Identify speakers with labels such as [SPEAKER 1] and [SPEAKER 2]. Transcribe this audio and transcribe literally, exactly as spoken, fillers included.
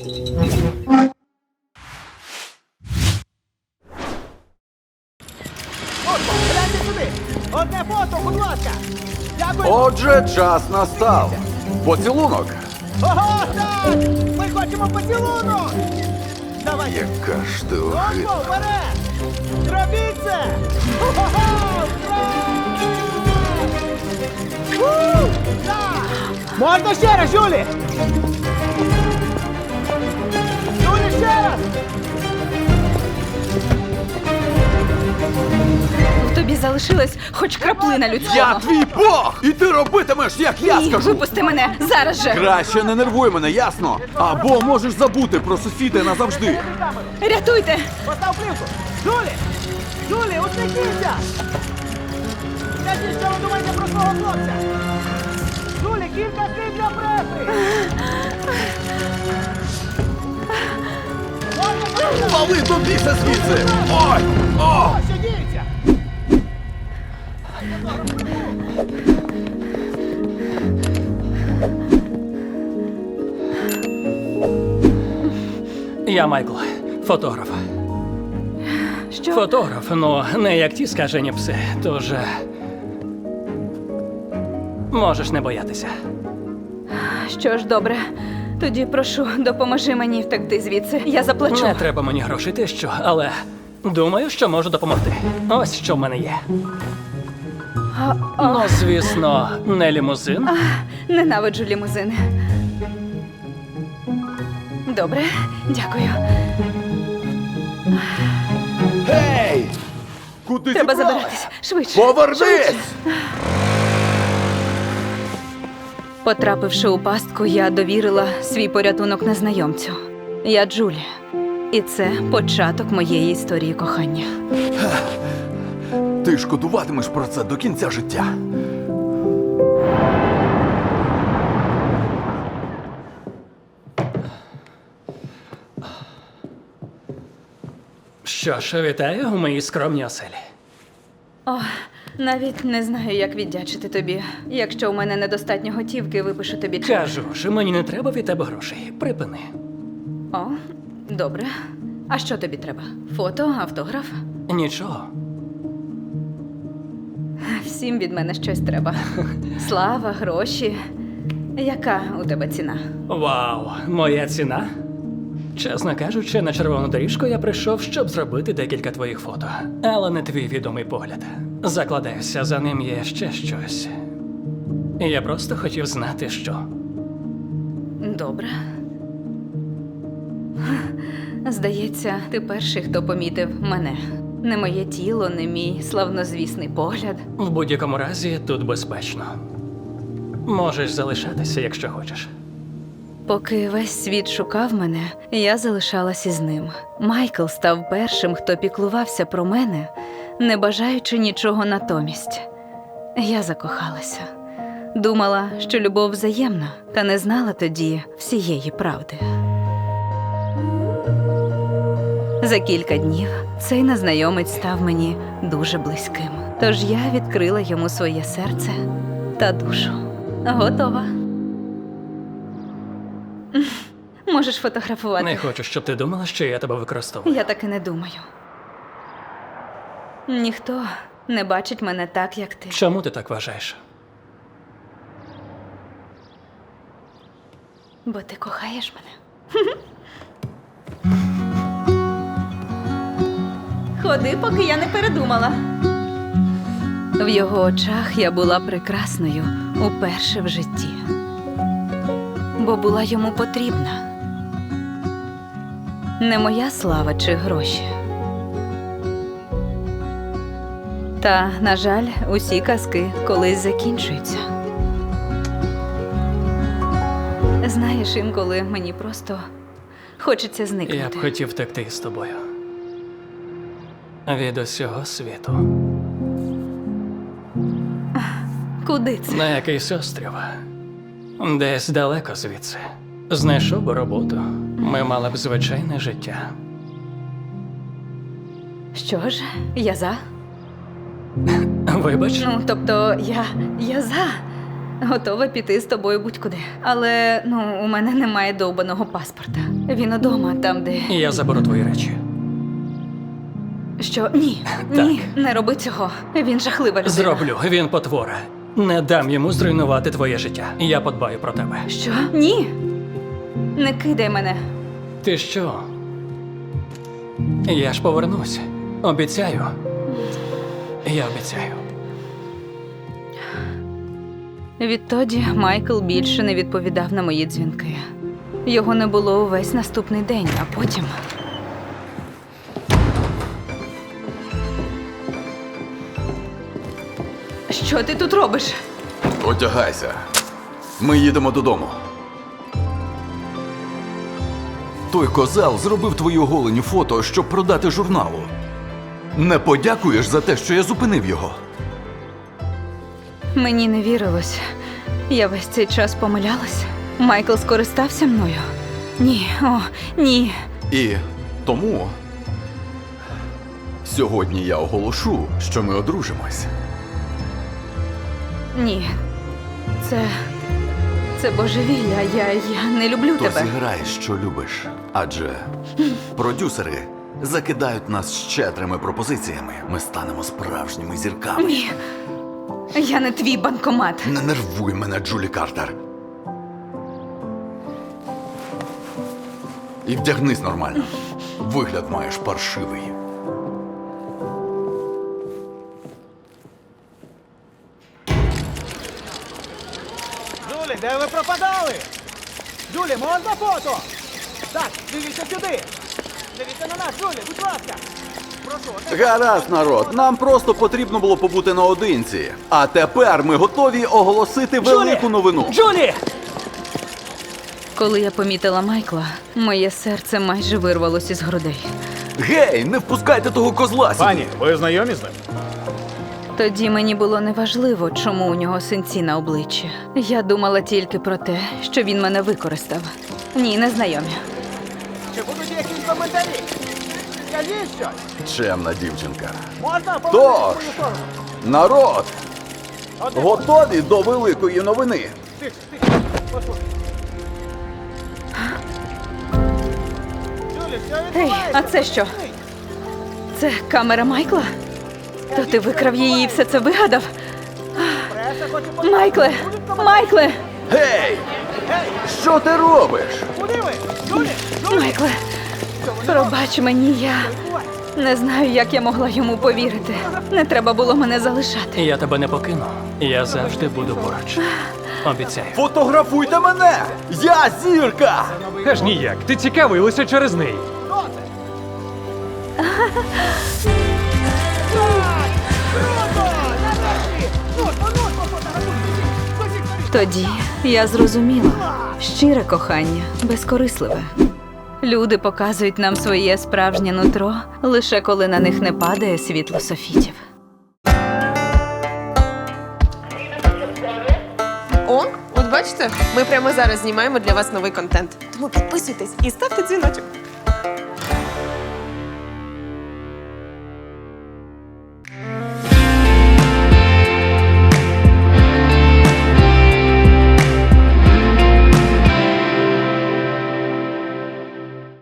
[SPEAKER 1] Отто, гляньте сюди! Одне фото, будь ласка! Дякую!
[SPEAKER 2] Отже, час настав. Поцілунок.
[SPEAKER 1] Ого, так! Ми хочемо поцілунок! Давайте!
[SPEAKER 2] Яка ж ти
[SPEAKER 1] Отто,
[SPEAKER 2] огидна.
[SPEAKER 1] вперед! Зробіть це! Ого, ура! Так! Можна ще раз, Жюлі! Жюлі, ще раз!
[SPEAKER 3] В тобі залишилась хоч краплина людського.
[SPEAKER 2] Я твій Бог! І ти робитимеш, як я
[SPEAKER 3] Ні,
[SPEAKER 2] скажу!
[SPEAKER 3] випусти мене зараз же.
[SPEAKER 2] Краще не нервуй мене, ясно? Або можеш забути про сусіда назавжди.
[SPEAKER 3] Рятуйте!
[SPEAKER 1] Постав плівку! Жюлі! Жюлі, усміхніться! Скажіть, що ви думаєте про свого хлопця? Жюлі, кілька слів для преси!
[SPEAKER 2] Вали до біса звідси! Ой! О!
[SPEAKER 1] Що діється?
[SPEAKER 4] Я Майкл, фотограф.
[SPEAKER 3] Що?
[SPEAKER 4] Фотограф, ну не як ті скажені пси, тож. е, Можеш не боятися.
[SPEAKER 3] Що ж, добре. Тоді прошу, допоможи мені втекти звідси. Я заплачу.
[SPEAKER 4] Не треба мені грошей, ти що, але думаю, що можу допомогти. Ось що в мене є.
[SPEAKER 3] А, о,
[SPEAKER 4] Ну, звісно, не лімузин.
[SPEAKER 3] ненавиджу лімузини. Добре, дякую.
[SPEAKER 2] Гей! Куди
[SPEAKER 3] Треба
[SPEAKER 2] зібралась?
[SPEAKER 3] забиратись. Швидше.
[SPEAKER 2] Повернись!
[SPEAKER 3] Потрапивши у пастку, я довірила свій порятунок незнайомцю. Я Джулія. І це початок моєї історії кохання.
[SPEAKER 2] Ти шкодуватимеш про це до кінця життя.
[SPEAKER 4] Що ж, вітаю у моїй скромній оселі.
[SPEAKER 3] О, навіть не знаю, як віддячити тобі. Якщо у мене недостатньо готівки, випишу тобі чек.
[SPEAKER 4] Кажу ж, мені не треба від тебе грошей. Припини.
[SPEAKER 3] О, добре. А що тобі треба? Фото, автограф?
[SPEAKER 4] Нічого.
[SPEAKER 3] Всім від мене щось треба. Слава, гроші. Яка у тебе ціна?
[SPEAKER 4] Вау, моя ціна? Чесно кажучи, на червону доріжку я прийшов, щоб зробити декілька твоїх фото. Але не твій відомий погляд. Закладаюся, за ним є ще щось. Я просто хотів знати, що.
[SPEAKER 3] Добре. Здається, ти перший, хто помітив мене. Не моє тіло, не мій славнозвісний погляд.
[SPEAKER 4] В будь-якому разі тут безпечно. Можеш залишатися, якщо хочеш.
[SPEAKER 3] Поки весь світ шукав мене, я залишалась із ним. Майкл став першим, хто піклувався про мене, не бажаючи нічого натомість. Я закохалася. Думала, що любов взаємна, та не знала тоді всієї правди. За кілька днів цей незнайомець став мені дуже близьким. Тож я відкрила йому своє серце та душу. Готова. Можеш фотографувати.
[SPEAKER 4] Не хочу, щоб ти думала, що я тебе використовую.
[SPEAKER 3] Я так і не думаю. Ніхто не бачить мене так, як ти.
[SPEAKER 4] Чому ти так вважаєш?
[SPEAKER 3] Бо ти кохаєш мене. Ходи, поки я не передумала. В його очах я була прекрасною уперше в житті. Бо була йому потрібна. Не моя слава чи гроші. Та, на жаль, усі казки колись закінчуються. Знаєш, інколи мені просто хочеться зникнути.
[SPEAKER 4] Я б хотів втекти з тобою. Від усього світу.
[SPEAKER 3] Куди це?
[SPEAKER 4] На якийсь острів. Десь далеко звідси. Знайшов би роботу. Ми мали б звичайне життя.
[SPEAKER 3] Що ж, я за.
[SPEAKER 4] Вибач,
[SPEAKER 3] Ну, тобто, я. я за. Готова піти з тобою будь-куди. Але ну, у мене немає довбаного паспорта. Він удома, там, де.
[SPEAKER 4] Я заберу твої речі.
[SPEAKER 3] Що? Ні. Ні, не роби цього. Він жахлива людина.
[SPEAKER 4] Зроблю, він потвора. Не дам йому зруйнувати твоє життя. Я подбаю про тебе.
[SPEAKER 3] Що? Ні. Не кидай мене.
[SPEAKER 4] Ти що? Я ж повернусь. Обіцяю. Я обіцяю.
[SPEAKER 3] Відтоді Майкл більше не відповідав на мої дзвінки. Його не було увесь наступний день, а потім. Що ти тут робиш?
[SPEAKER 2] Одягайся. Ми їдемо додому. Той козел зробив твої оголені фото, щоб продати журналу. Не подякуєш за те, що я зупинив його.
[SPEAKER 3] Мені не вірилось. Я весь цей час помилялась. Майкл скористався мною. Ні, о, ні.
[SPEAKER 2] І тому сьогодні я оголошу, що ми одружимось.
[SPEAKER 3] Ні. Це. Це божевілля. Я, я не люблю
[SPEAKER 2] То
[SPEAKER 3] тебе.
[SPEAKER 2] зіграй, що любиш. Адже продюсери закидають нас щедрими пропозиціями. Ми станемо справжніми зірками.
[SPEAKER 3] Ні. Я не твій банкомат.
[SPEAKER 2] Не нервуй мене, Джулі Картер. І вдягнись нормально. Вигляд маєш паршивий.
[SPEAKER 1] Джулі, де ви пропадали? Джулі, можна фото? Так, дивіться сюди. Дивіться на нас, Джулі, будь ласка. Прошу, одне
[SPEAKER 2] Гаразд, народ, нам просто потрібно було побути наодинці. А тепер ми готові оголосити велику новину.
[SPEAKER 4] Джулі!
[SPEAKER 3] Коли я помітила Майкла, моє серце майже вирвалось із грудей.
[SPEAKER 2] Гей, не впускайте того козла сюди.
[SPEAKER 1] Пані, ви знайомі з ним?
[SPEAKER 3] Тоді мені було неважливо, чому у нього синці на обличчі. Я думала тільки про те, що він мене використав. Ні, не знайомі.
[SPEAKER 1] Чи будуть якісь коментарі? Скажіть щось.
[SPEAKER 2] Чемна дівчинка.
[SPEAKER 1] Можна
[SPEAKER 2] Тож.
[SPEAKER 1] повернути свою сторону?
[SPEAKER 2] Народ,
[SPEAKER 1] Одне
[SPEAKER 2] готові до великої новини?
[SPEAKER 1] Тихо, тихо, послухай. Джулі, що
[SPEAKER 3] Ей,
[SPEAKER 1] відбувається?
[SPEAKER 3] а це що? Це камера Майкла? То ти викрав її і все це вигадав?
[SPEAKER 1] Преса хоче подивитися.
[SPEAKER 3] Майкле!
[SPEAKER 1] Будуть коментарі?
[SPEAKER 3] Майкле!
[SPEAKER 2] Гей!
[SPEAKER 1] Гей,
[SPEAKER 2] Що ти робиш?
[SPEAKER 1] куди ви? Джулі, Джулі!
[SPEAKER 3] Майкле!
[SPEAKER 1] Що вони
[SPEAKER 3] Пробач мені, я
[SPEAKER 1] роблять? Відбувається.
[SPEAKER 3] не знаю, як я могла йому повірити. Не треба було мене залишати.
[SPEAKER 4] Я тебе не покину. Я завжди буду поруч. Обіцяю.
[SPEAKER 2] Фотографуйте мене! Я зірка!
[SPEAKER 5] Аж ніяк, ти цікавий лише через неї.
[SPEAKER 1] Хто це? Так! Круто! Нарешті! Ну, ну, ну, фотографуй, біжіть, біжіть, скоріше.
[SPEAKER 3] Тоді я зрозуміла, щире кохання, безкорисливе. Люди показують нам своє справжнє нутро, лише коли на них не падає світло софітів.
[SPEAKER 6] О, от бачите, ми прямо зараз знімаємо для вас новий контент. Тому підписуйтесь і ставте дзвіночок.